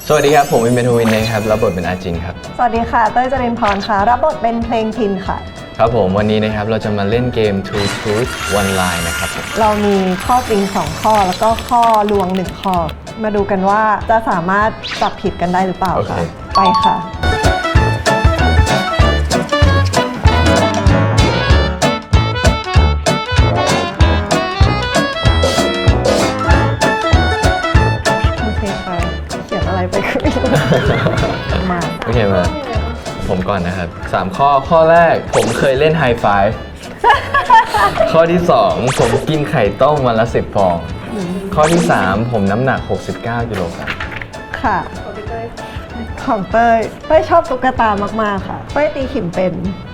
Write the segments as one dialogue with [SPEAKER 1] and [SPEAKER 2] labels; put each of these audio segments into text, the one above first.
[SPEAKER 1] สวัสดีครับผมวินเมทวินนะครับรับบทเป็นอาจินครับ
[SPEAKER 2] สวัสดีค่ะเต้ยจริญพรค่ะรับบทเป็นเพลงพินค่ะ
[SPEAKER 1] ครับผมวันนี้นะครับเราจะมาเล่นเกม Two Truth One Lie นะครับผม
[SPEAKER 2] เรามีข้อจริง2ข้อแล้วก็ข้อลวง1ข้อมาดูกันว่าจะสามารถจับผิดกันได้หรือเปล่าค่ะไปค่ะ
[SPEAKER 1] โอเคมาผมก่อนนะครับ3ข้อแรกผมเคยเล่นไฮไฟว์ข้อที่2ผมกินไข่ต้มวันละ10 ฟองข้อที่3ผมน้ำหนัก69 กิโลกรัม
[SPEAKER 2] ค่ะของเต้ยชอบตุ๊กตามากๆค่ะเต้ยตีขิมเป็น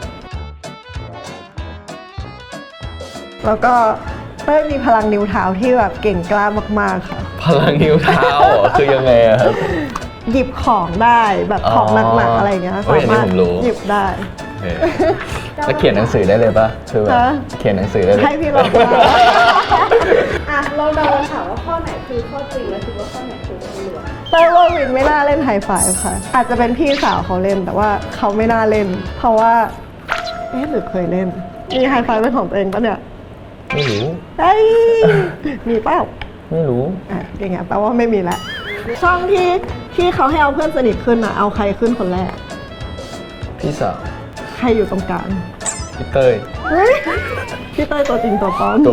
[SPEAKER 2] แล้วก็เต้ยมีพลังนิ้วเท้าที่แบบเก่งกล้ามากๆค่ะ
[SPEAKER 1] พลังนิ้วเท้าคือยังไงครับ
[SPEAKER 2] หยิบของได้แบบของหนักๆอะไรเงี้ย
[SPEAKER 1] สามารถ
[SPEAKER 2] หยิบได้
[SPEAKER 1] แล้วเขียนหนังสือได้เลยปะคือแบบเขียนหนังสือได้เลย
[SPEAKER 2] ให้พี่ลอง
[SPEAKER 3] อ่ะเราเดาค่ะว่าข้อไหนคือข้อจริงและคิดว่าข้อไหนคือข้อลวง
[SPEAKER 2] เต้ยว่าวินไม่น่าเล่นไฮไฟว์ค่ะอาจจะเป็นพี่สาวเขาเล่นแต่ว่าเขาไม่น่าเล่นเพราะว่าหรือเคยเล่นมีไฮไฟว์เป็นของตัวเองปะเนี่ย
[SPEAKER 1] ไม่รู้
[SPEAKER 2] มีเปล่า
[SPEAKER 1] ไม่รู้
[SPEAKER 2] อย่างเงี้ยแปลว่าไม่มีแล้วช่องที่เขาให้เอาเพื่อนสนิทขึ้นเอาใครขึ้นคนแรก
[SPEAKER 1] พี่สาว
[SPEAKER 2] ใครอยู่ตรงกลาง
[SPEAKER 1] พี่เต้ย
[SPEAKER 2] พี่เต้ยตัวจริงตัวปลอม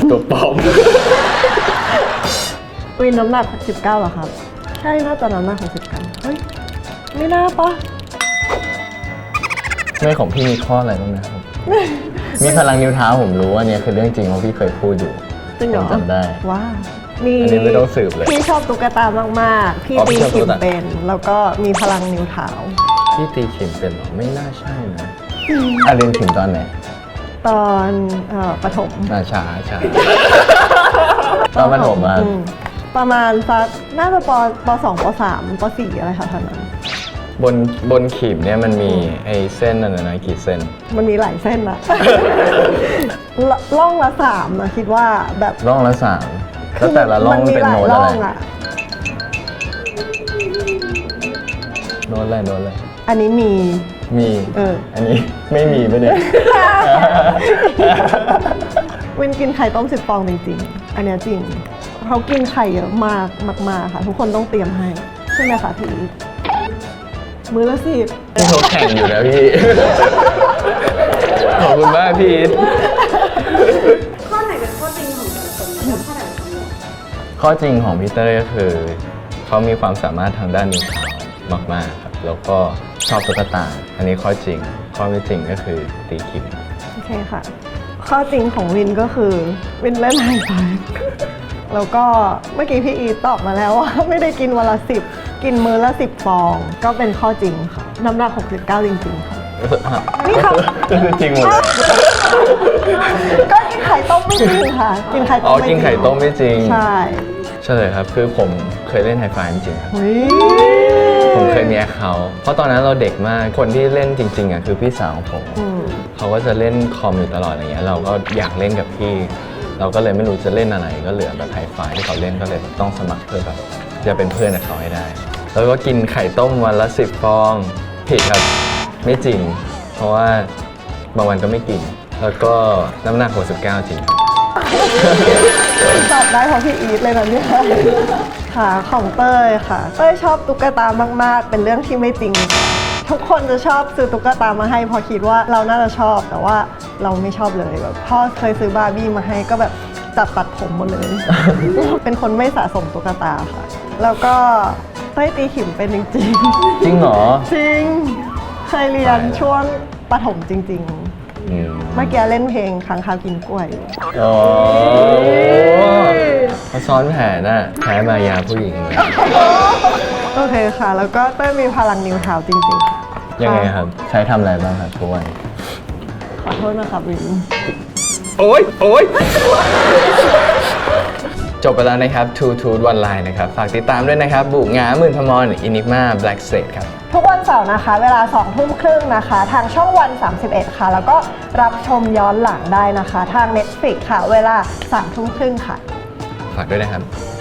[SPEAKER 2] วินน้ำหนัก19เหรอครับใช่น่าจะน้ำหนัก69เฮ้ยไม่น่าปะ
[SPEAKER 1] ไม่ของพี่มีข้ออะไรบ้างนะครับมีพลังนิ้วเท้าผมรู้ว่าเนี่ยคือเรื่องจริงเพราะพี่เคยพูดอยู่
[SPEAKER 2] จริงเหรอ
[SPEAKER 1] จำได้
[SPEAKER 2] ว้า
[SPEAKER 1] อันนี้ไม่ต้องสืบเลย
[SPEAKER 2] พี่ชอบตุ๊กตามากๆพี่ตีขิมเป็นแล้วก็มีพลังนิ้วเท้า
[SPEAKER 1] พี่ตีขิมเป็นหรอไม่น่าใช่นะเรียนขิมตอนไหน
[SPEAKER 2] ตอนประถม
[SPEAKER 1] ช้าตอนประถม
[SPEAKER 2] ประมาณสักน่าจะป .2 ป .3 ป .4 อะไรค่ะท่านนั้น
[SPEAKER 1] บนขีมเนี่ยมันมีไอ้เส้นนั่นนะกี่เส้น
[SPEAKER 2] มันมีหลายเส้นอะร่องละ3นะคิดว่าแบบ
[SPEAKER 1] ร่องละ3แล้วแต่ละร่องเป็นโน้ตอะไรโน้ตอะไร
[SPEAKER 2] อันนี้มี
[SPEAKER 1] อันนี้ไม่มีไปเนี่ย
[SPEAKER 2] วินกินไข่ต้ม10 ฟองจริงๆอันนี้จริงเขากินไข่เยอะมากค่ะทุกคนต้องเตรียมให้ใช่ไหมคะพี่มื้อละ10
[SPEAKER 1] ที่เขาแข่งอยู่นะพี่ขอบคุณมากพี่
[SPEAKER 3] ข้อไหนเป็นข้อจริงของแต่ละคนแล้วข้อไหนเป็นข้อลวง
[SPEAKER 1] ข้อจริงของพี่เต้ยก็คือเขามีความสามารถทางด้านนิ้วเท้ามากๆครับแล้วก็ชอบตุ๊กตาอันนี้ข้อจริงข้อไม่จริงก็คือตีขิม
[SPEAKER 2] โอเคค่ะข้อจริงของวินก็คือวินเล่นไฮไฟว์แล้วก็เมื่อกี้พี่อีตอบมาแล้วว่าไม่ได้กินวันละ10กินมื้อละ10 ฟองก็เป็นข้อจริงค่ะน้ำหนัก69จริงๆค่ะ
[SPEAKER 1] นี่ค่ะก็คือจริงหมดเลย
[SPEAKER 2] ก็กินไข่ต้มไม่จริงค่ะกินไข่ต้ม
[SPEAKER 1] กินไข่ต้มไม่จริง
[SPEAKER 2] ใช่
[SPEAKER 1] เลยครับคือผมเคยเล่นไฮไฟว์จริงๆครับผมเคยมีเขาเพราะตอนนั้นเราเด็กมากคนที่เล่นจริงๆคือพี่สาวของผมเขาก็จะเล่นคอมอยู่ตลอดอะไรเงี้ยเราก็อยากเล่นกับพี่เราก็เลยไม่รู้จะเล่นอะไรก็เหลือแบบไฮไฟว์ที่เขาเล่นก็เลยต้องสมัครเพื่อแบบจะเป็นเพื่อนกับเขาให้ได้แล้วก็กินไข่ต้มวันละ10 ฟองผิดครับไม่จริงเพราะว่าบางวันก็ไม่กินแล้วก็น้ำหนัก69จริง
[SPEAKER 2] ตอบได้เพราะพี่อีทเลยนะเนี่ยค่ะของเต้ยค่ะเต้ยชอบตุ๊กตามากๆเป็นเรื่องที่ไม่จริงทุกคนจะชอบซื้อตุ๊กตามาให้พอคิดว่าเราน่าจะชอบแต่ว่าเราไม่ชอบเลยแบบพ่อเคยซื้อบาร์บี้มาให้ก็แบบจับตัดผมหมดเลย เป็นคนไม่สะสมตุ๊กตาค่ะแล้วก็เต้ยตีขิมเป็นจริง
[SPEAKER 1] จริงเหรอ
[SPEAKER 2] จริงเคยเรียนช่วงประถมจริงๆเมื่อกี้เล่นเพลงค้างคาวกินกล้วย
[SPEAKER 1] อ๋อเขาซ้อนแผนน่ะแพ้มายาผู้หญิงเลย
[SPEAKER 2] โอเคค่ะแล้วก็เต้ยมีพลังนิ้วเท้าจริงๆค่ะ
[SPEAKER 1] ยังไงครับใช้ทำอะไรบ้างครับทุกวัน
[SPEAKER 2] ขอโทษนะครับวิน
[SPEAKER 1] โอ๊ยจบไปแล้วนะครับ Two Truth One Lie นะครับฝากติดตามด้วยนะครับบุกงาหมื่นพมรอินิกมาแบล็กสเตทครับ
[SPEAKER 2] ทุกวันเสาร์นะคะเวลา 20:30 นะคะทางช่องวัน 31 ค่ะแล้วก็รับชมย้อนหลังได้นะคะทาง Netflix ค่ะเวลา 3:30 ค่ะ
[SPEAKER 1] ฝากด้วยนะครับ